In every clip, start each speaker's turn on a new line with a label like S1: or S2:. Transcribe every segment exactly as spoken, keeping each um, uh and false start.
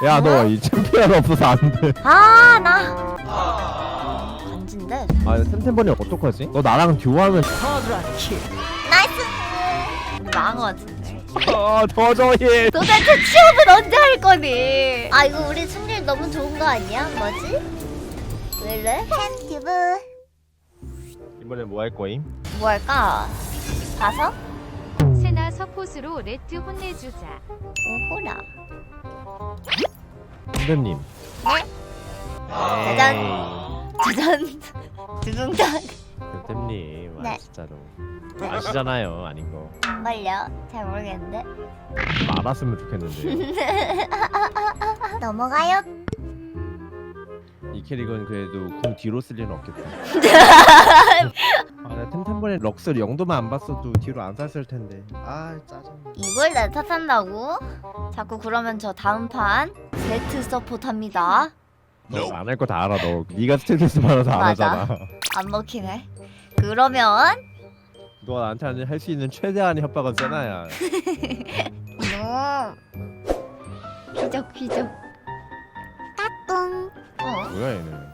S1: 야 너 이 챔피언 없어서 안돼.
S2: 아, 나 간진데.
S1: 아 템템버니 어떡하지? 너 나랑 듀오하면
S2: 나이스. 우리 망한 거 같은데.
S1: 아 도저히.
S2: 도대체 취업은 언제 할 거니? 아, 이거 우리 승률 너무 좋은 거 아니야? 뭐지? 왜 이래? 햄튜브.
S1: 이번엔 뭐 할 거임?
S2: 뭐 할까? 가서?
S3: 세나 서폿으로 레트 혼내주자.
S2: 오호라.
S1: 선배님.
S2: 네? 짜잔. 짜잔. 두둥장.
S1: 템템님.
S2: 네.
S1: 아 진짜로. 아시잖아요 아닌 거.
S2: 정말요? 잘 모르겠는데.
S1: 좀 알았으면 좋겠는데.
S2: 넘어가요.
S1: 이 캐릭은 그래도 궁 뒤로 쓸 일은 없겠다. 아, 나 템템버린 럭스 영도만 안 봤어도 뒤로 안 쐈을 텐데. 아 짜증나.
S2: 이걸 내 탓한다고? 자꾸 그러면 저 다음 판 제트 서포트 합니다.
S1: 너 안 할 거 다 알아 너. 네가 스트레스 받아서 안
S2: 맞아.
S1: 하잖아.
S2: 안 먹히네. 그러면
S1: 너 나한테 할 수 있는 최대한의 협박은 세나야.
S2: 이놈 휘적 휘적 따뚱. 어?
S1: 뭐야 얘는.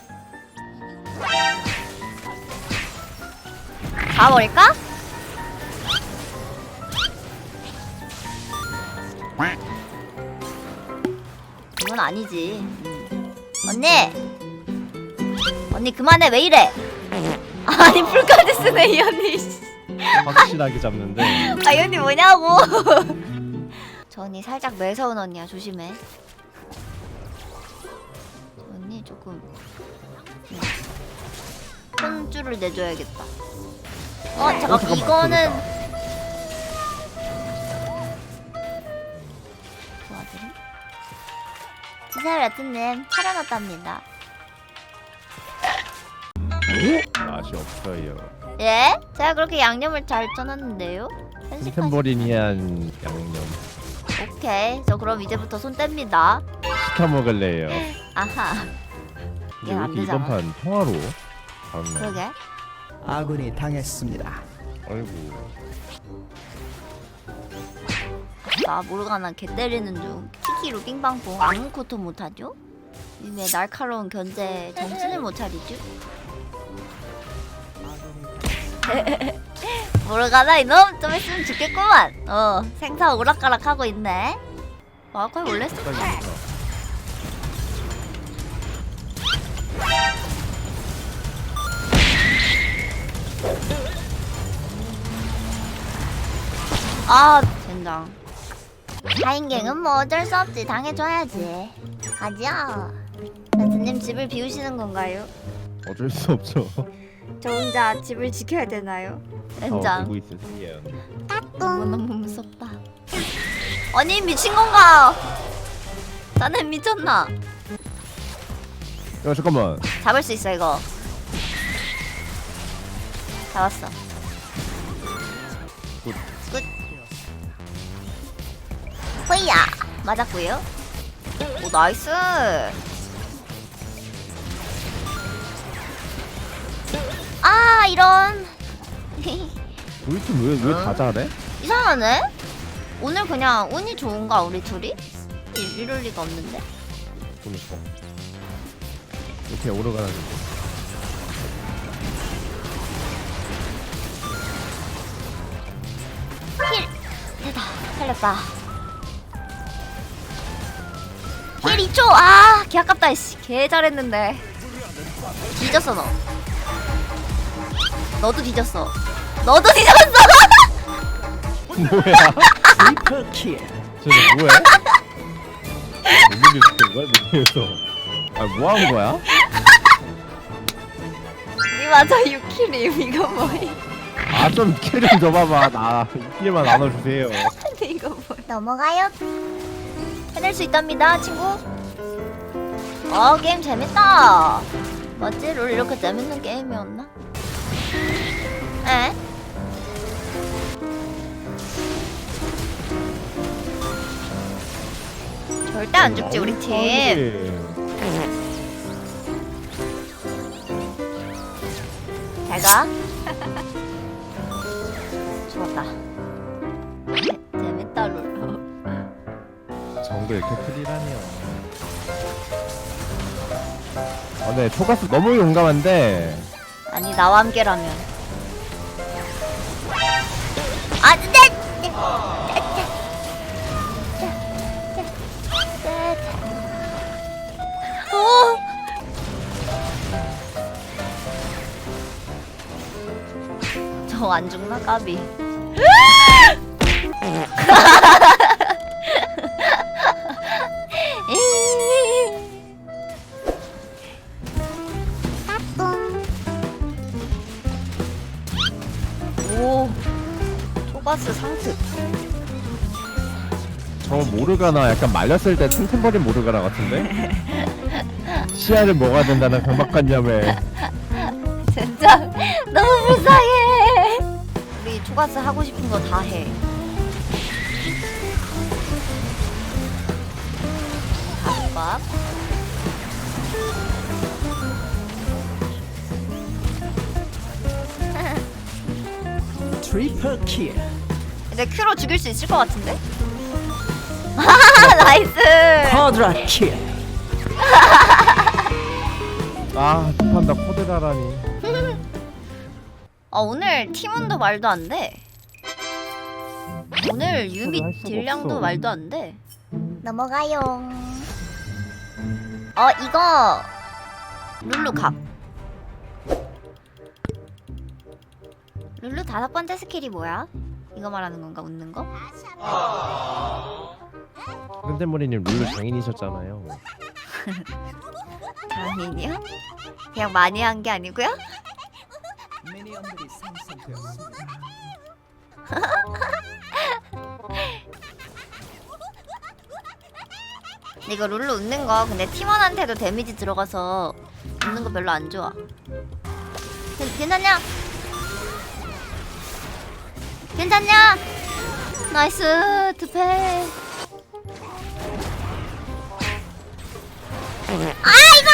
S2: 가버릴까? 이건 아니지. 음. 언니! 언니 그만해. 왜 이래? 아니 풀까지 쓰네 이 언니.
S1: 확실하게 잡는데.
S2: 아 이 언니 뭐냐고. 저 언니 살짝 매서운 언니야. 조심해. 저 언니 조금 네. 손줄을 내줘야겠다. 어 잠깐
S1: 어, 잠깐만,
S2: 이거는
S1: 그러다.
S2: 도와드림? 지사율 라트님 차려놨답니다.
S1: 맛이 없어요.
S2: 예? 제가 그렇게 양념을 잘 쳐놨는데요? 편식하시...
S1: 템템버린이한 양념
S2: 오케이 저 그럼 이제부터 손 뗍니다.
S1: 시켜 먹을래요.
S2: 아하.
S1: 근데 왜
S2: 안
S1: 이렇게 이번
S2: 되잖아.
S1: 판 통화로? 다음 날.
S2: 그러게.
S4: 아군이 당했습니다.
S1: 아이고.
S2: 나 모르가나 개 때리는 중 키키로 빙방봉 아무것도 못하죠? 왜 날카로운 견제 정신을 못 차리죠? 모르가나 이놈 좀 있으면 죽겠구만. 어 생사 오락가락하고 있네. 마카이 원래 스타 아 젠장. 사인갱은 뭐 어쩔 수 없지. 당해줘야지. 가자. 라트님 집을 비우시는 건가요?
S1: 어쩔 수 없죠.
S2: 저 혼자 집을 지켜야 되나요?
S1: 어,
S2: 젠장.
S1: 보고 있으세요.
S2: 너무너무 무섭다. 아니 미친 건가? 나는 미쳤나?
S1: 야 잠깐만.
S2: 잡을 수 있어 이거. 잡았어.
S1: 굿.
S2: 굿. 호이야 맞았고요. 오 나이스. 아 이런.
S1: 우리 팀 왜 왜 다 잘해?
S2: 이상하네. 오늘 그냥 운이 좋은가 우리 둘이? 이- 이럴 리가 없는데.
S1: 보니까 이렇게 오르가는데.
S2: 힐 됐다. 살렸다. 힐 이 초. 아, 개 아깝다. 씨. 개 잘했는데. 뒤졌어 너. 너도 뒤졌어. 너도 뒤졌어.
S1: 뭐야?
S4: 슈퍼킬.
S1: 쟤네 뭐해? 뭔일 있는 거야 밑에서? 아뭐 하는 거야?
S2: 니 맞아 육 킬임. 이거 뭐야?
S1: 아 좀 킬 좀 줘봐봐. 나 킬만 나눠주세요.
S2: 이거 뭐야? 넘어가요. 해낼 수 있답니다, 친구. 어 게임 재밌다. 맞지? 롤 이렇게 재밌는 게임이었나? 에? 절대 안 죽지 우리 팀. 잘 가. 죽었다. 재- 재밌다 롤.
S1: 정 영도 이렇게 프리라니요. 아, 네, 초가스 너무 용감한데.
S2: 아니 나와 함께라면. 아, 네. 네. 오. 저 안 죽나 까비. 오, 초가스 상특.
S1: 저 모르가나 약간 말렸을 때 틈틈버린 모르가나 같은데? 시야를 먹어야 된다는 강박관념에.
S2: 진짜 너무 불쌍해. 우리 초가스 하고 싶은 거 다 해. 밥.
S4: 트리플 킬.
S2: 근데 큐로 죽일 수 있을 것 같은데? 하하, 나이스.
S4: 쿼드라 킬.
S1: 아, 판다 코드라라니.
S2: 아, 오늘 팀원도 말도 안 돼. 오늘 유미
S1: 할 수가
S2: 딜량도
S1: 없어.
S2: 말도 안 돼. 넘어가요. 어, 이거 룰루 각. 룰루 다섯 번째 스킬이 뭐야? 이거 말하는 건가? 웃는 거?
S1: 근데머리님 룰루 장인이셨잖아요.
S2: 장인이요? 그냥 많이 한 게 아니고요?
S4: 미니언들이 생성되었습니다.
S2: 근데 이거 룰루 웃는 거 근데 팀원한테도 데미지 들어가서 웃는 거 별로 안 좋아. 괜- 괜찮냐? 괜찮냐? 나이스 투패. 아 이거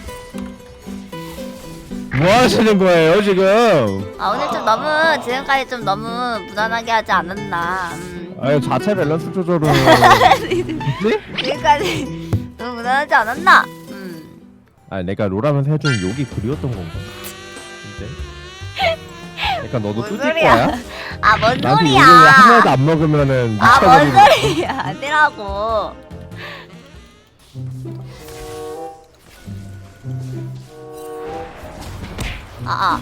S2: 왜?
S1: 뭐 하시는 거예요 지금?
S2: 아 오늘 좀 너무 지금까지 좀 너무 무난하게 하지 않았나. 음.
S1: 아유, 자체 밸런스 조절은. 뭐지?
S2: 지금까지 너무 무난하지 않았나? 음.
S1: 아, 내가 롤하면서 해준 욕이 그리웠던 건가? 이제? 그러니까 너도
S2: 뭔
S1: 뚜질
S2: 소리야?
S1: 거야?
S2: 아 뭔
S1: 나한테
S2: 소리야?
S1: 욕을 하나도 안 먹으면은
S2: 아 뭔
S1: 미쳐버리는.
S2: 소리야? 아니라고. 아아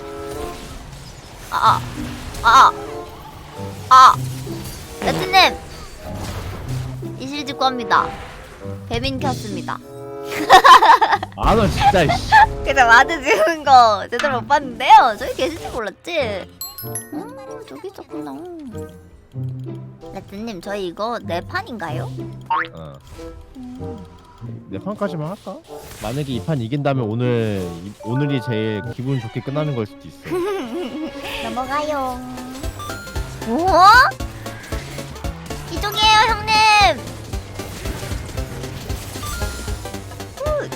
S2: 아아 아아 아 레트님 이실 직구 합니다. 배민 켰습니다.
S1: 아, 너 진짜. 씨.
S2: 근데 와드 지은 거 제대로 못 봤는데요. 저기 계실지 몰랐지? 음 저기 있었구나. 레트님 저희 이거 네 판인가요?
S1: 어. 내 판까지만 할까? 만약에 이 판 이긴다면 오늘 이- 오늘이 제일 기분 좋게 끝나는 걸 수도 있어.
S2: 넘어가요. 오? 이쪽이에요 형님. 굿.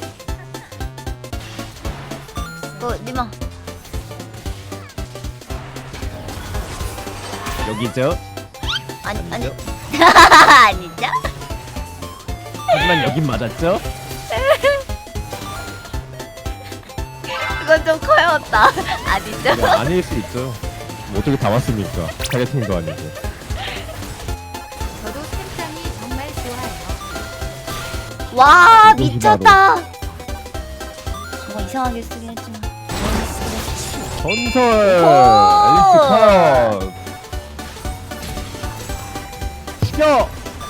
S2: 어 니마.
S1: 여기죠?
S2: 아니 아니
S1: 아니죠?
S2: 아니죠?
S1: 하지만 여긴 맞았죠?
S2: 이건 좀 커였다. 아니죠?
S1: 네, 아닐 수 있죠. 뭐 어떻게 다 왔습니까? 타겟팅도 아니고.
S3: 저도 템장이 정말 좋아요.
S2: 와
S1: 이거지,
S2: 미쳤다. 뭔가 이상하게 쓰긴 했지만.
S1: 전설
S2: 오!
S1: 앨리스 컷. 시켜.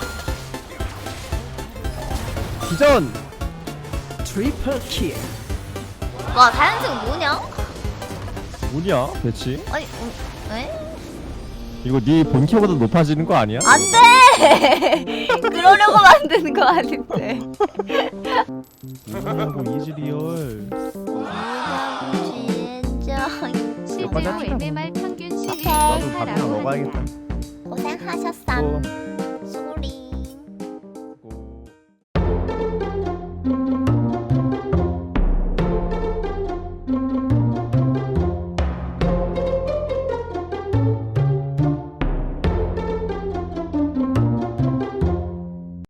S1: 기전.
S4: 트리플 킬.
S2: 와 사연승 뭐냐?
S1: 뭐냐 대체?
S2: 아니 음, 에?
S1: 이거 네 본캐보다 높아지는 거 아니야?
S2: 안돼. 그러려고 만드는 거 아닌데.
S1: 뭐냐고 이즈리얼.
S2: 진짜
S3: 실제로
S1: 맞았죠?
S3: 엠엠알 평균
S2: 오케이.
S3: 시위의
S1: 나도 밥이나
S3: 사람은
S1: 먹어야겠다.
S2: 고생하셨어.
S1: 또